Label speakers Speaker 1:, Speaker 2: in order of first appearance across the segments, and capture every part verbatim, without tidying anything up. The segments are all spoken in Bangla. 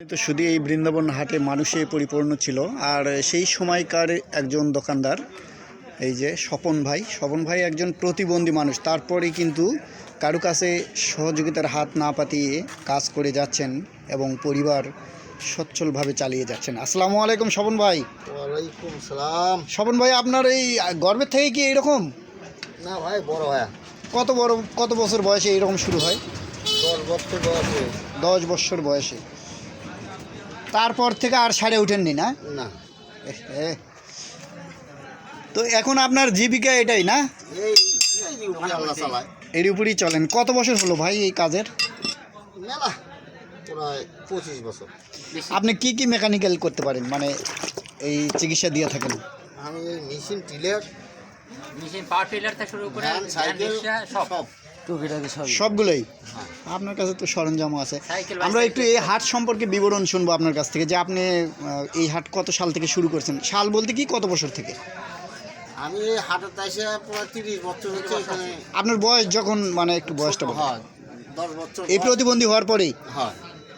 Speaker 1: তো শুধু এই বৃন্দাবন হাটে মানুষে পরিপূর্ণ ছিল। আর সেই সময়কার একজন দোকানদার, এই যে স্বপন ভাই স্বপন ভাই একজন প্রতিবন্ধী মানুষ, তারপরে কিন্তু কারো কাছে সহযোগিতার হাত না পাতিয়ে কাজ করে যাচ্ছেন এবং পরিবার সচ্ছলভাবে চালিয়ে যাচ্ছেন। আসসালামু আলাইকুম স্বপন ভাই।
Speaker 2: ওয়ালাইকুম সালাম।
Speaker 1: স্বপন ভাই, আপনার এই গর্বের থেকে কি এরকম?
Speaker 2: না ভাই, বড় ভাই।
Speaker 1: কত বড় কত বছর বয়সে এরকম শুরু হয়?
Speaker 2: দশ বছর বয়সে।
Speaker 1: দশ বছর বয়সে। তারপর থেকে আর সারে ওঠেননি না?
Speaker 2: না।
Speaker 1: তো এখন আপনার জীবিকা এটাই না?
Speaker 2: এই আল্লাহ চালায়,
Speaker 1: এর উপরই চলেন। কত বছর হলো ভাই এই কাজের?
Speaker 2: মেলা প্রায় পঁচিশ বছর।
Speaker 1: আপনি কি কি মেকানিক্যাল করতে পারেন, মানে এই চিকিৎসা দিয়ে থাকেন?
Speaker 2: আমি এই machine tiller,
Speaker 3: machine power tiller থেকে শুরু করে
Speaker 2: ভ্যান, সাইকেল
Speaker 3: সব
Speaker 1: সবগুলোই। আপনার কাছে তো সরঞ্জামও আছে।
Speaker 3: সাইকেল,
Speaker 1: আমরা একটু এই হাট সম্পর্কে বিবরণ শুনবো আপনার কাছ থেকে, যে আপনি আহ, এই হাট কত সাল থেকে শুরু করছেন? সাল বলতে কি কত বছর থেকে?
Speaker 2: আমি এই হাটের তাইসে প্রায় তিরিশ বছর হচ্ছে এখানে।
Speaker 1: আপনার বয়স যখন, মানে একটু বয়সটা বলুন।
Speaker 2: হয় দশ বছর।
Speaker 1: এই প্রতিবন্ধী হওয়ার পরেই?
Speaker 2: হয়।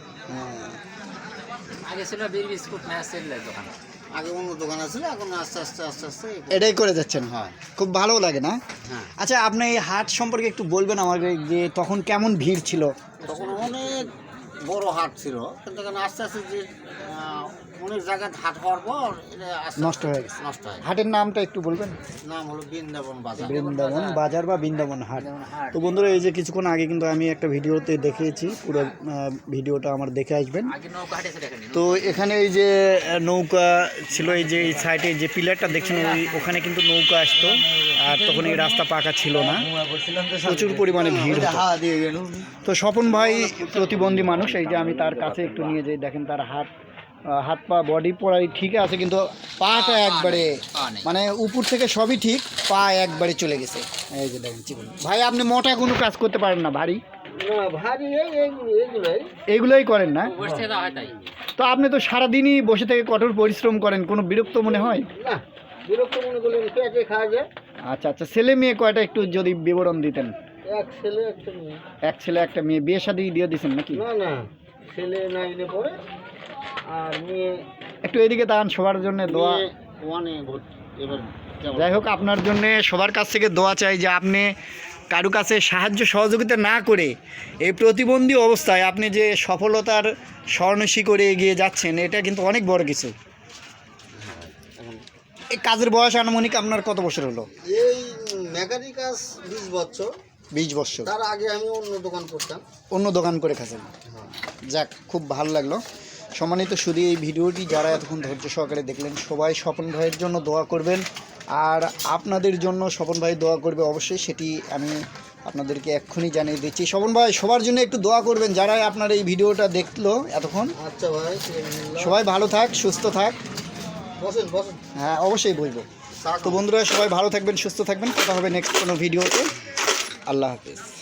Speaker 3: আগে ছিল বীর বিস্কুট ম্যাচের দোকান,
Speaker 2: আগে অন্য দোকান আছে, এখন আস্তে আস্তে আস্তে আস্তে
Speaker 1: এটাই করে যাচ্ছেন।
Speaker 2: হয়।
Speaker 1: খুব ভালো লাগে না?
Speaker 2: হ্যাঁ।
Speaker 1: আচ্ছা, আপনি এই হাট সম্পর্কে একটু বলবেন আমাকে, যে তখন কেমন ভিড় ছিল?
Speaker 2: তখন অনেক বড় হাট ছিল, কিন্তু এখানে আস্তে আস্তে যে আহ, অনেক জায়গায় হাট হওয়ার পর এটা আস্তে
Speaker 1: নষ্ট হয়ে গেছে।
Speaker 2: নষ্ট হয়।
Speaker 1: হাটের নামটা একটু বলবেন?
Speaker 2: নাম হলো বৃন্দাবন বাজার।
Speaker 1: বৃন্দাবন বাজার বা বৃন্দাবন হাট। তো বন্ধুরা, এই যে কিছুক্ষণ আগে কিন্তু আমি একটা ভিডিওতে দেখিয়েছি, পুরো আহ, ভিডিওটা আমার দেখে আসবেন।
Speaker 3: আগে নৌকা হাটে ছিল এখানে।
Speaker 1: তো এখানে এই যে আহ, নৌকা ছিল, এই যে এই সাইডে যে পিলারটা দেখছেন, ওই ওখানে কিন্তু নৌকা আসতো। আর তখন এই রাস্তা পাকা ছিল না, প্রচুর পরিমাণে ভিড় হতো। তো স্বপন ভাই প্রতিবন্ধী মানুষ, এই যে আমি তার কাছে একটু নিয়ে যাই, দেখেন তার হাত আহ, হাত পা বডি পড়াই ঠিক আছে, কিন্তু পাটা একবারে, মানে উপর থেকে সবই ঠিক, পা একবারে চলে গেছে। এই যে দেখেন চিকন ভাই, আপনি মোটা কোনো কাজ করতে পারেন না? ভারী
Speaker 2: ভারী এইগুলোই
Speaker 1: এইগুলোই করেন না?
Speaker 3: বসে দেওয়া হয় তাই।
Speaker 1: তো আপনি তো সারাদিনই বসে থেকে কঠোর পরিশ্রম করেন, কোনো বিরক্ত মনে হয়
Speaker 2: না? বিরক্ত মনে করলেন পেটে খাওয়া যায়।
Speaker 1: আচ্ছা আচ্ছা, ছেলে মেয়ে কয়টা একটু যদি বিবরণ দিতেন।
Speaker 2: এক ছেলে একটা মেয়ে।
Speaker 1: এক ছেলে একটা মেয়ে। বিয়ে শাদী দিয়ে দিয়েছেন নাকি?
Speaker 2: না না, ছেলে নাইনে পড়ে আর মেয়ে
Speaker 1: একটু এদিকে তাকান, সবার জন্য দোয়া।
Speaker 2: ওয়ানে ভর্তি এবার।
Speaker 1: যাই হোক, আপনার জন্য সবার কাছ থেকে দোয়া চাই, যে আপনি কারো কাছে সাহায্য সহযোগিতা না করে এই প্রতিবন্ধী অবস্থায় আপনি যে সফলতার স্বর্ণশী করে এগিয়ে যাচ্ছেন, এটা কিন্তু অনেক বড় কিছু। এই কাজের বয়স আনুমানিক আপনার কত বছর হলো?
Speaker 2: এই মেকানিক কাজ বিশ বছর।
Speaker 1: বিশ বছর।
Speaker 2: তার আগে আমি অন্য দোকান করতাম।
Speaker 1: অন্য দোকান করে খাচ্ছেন? যাক, খুব ভালো লাগলো। সম্মানিত শুধু এই ভিডিওটি যারা এতক্ষণ ধৈর্য সহকারে দেখলেন, সবাই স্বপন ভাইয়ের জন্য দোয়া করবেন। আর আপনাদের জন্য স্বপন ভাই দোয়া করবে অবশ্যই, সেটি আমি আপনাদেরকে এক্ষুনি জানিয়ে দিচ্ছি। স্বপন ভাই, সবার জন্য একটু দোয়া করবেন যারা আপনার এই ভিডিওটা দেখলো এতক্ষণ।
Speaker 2: আচ্ছা ভাই,
Speaker 1: সবাই ভালো থাক, সুস্থ থাক।
Speaker 2: বসেন বসেন।
Speaker 1: হ্যাঁ, অবশ্যই বলবো। তো বন্ধুরা, সবাই ভালো থাকবেন, সুস্থ থাকবেন। কথা হবে নেক্সট কোনো ভিডিওতে। আল্লাহ হাফিজ।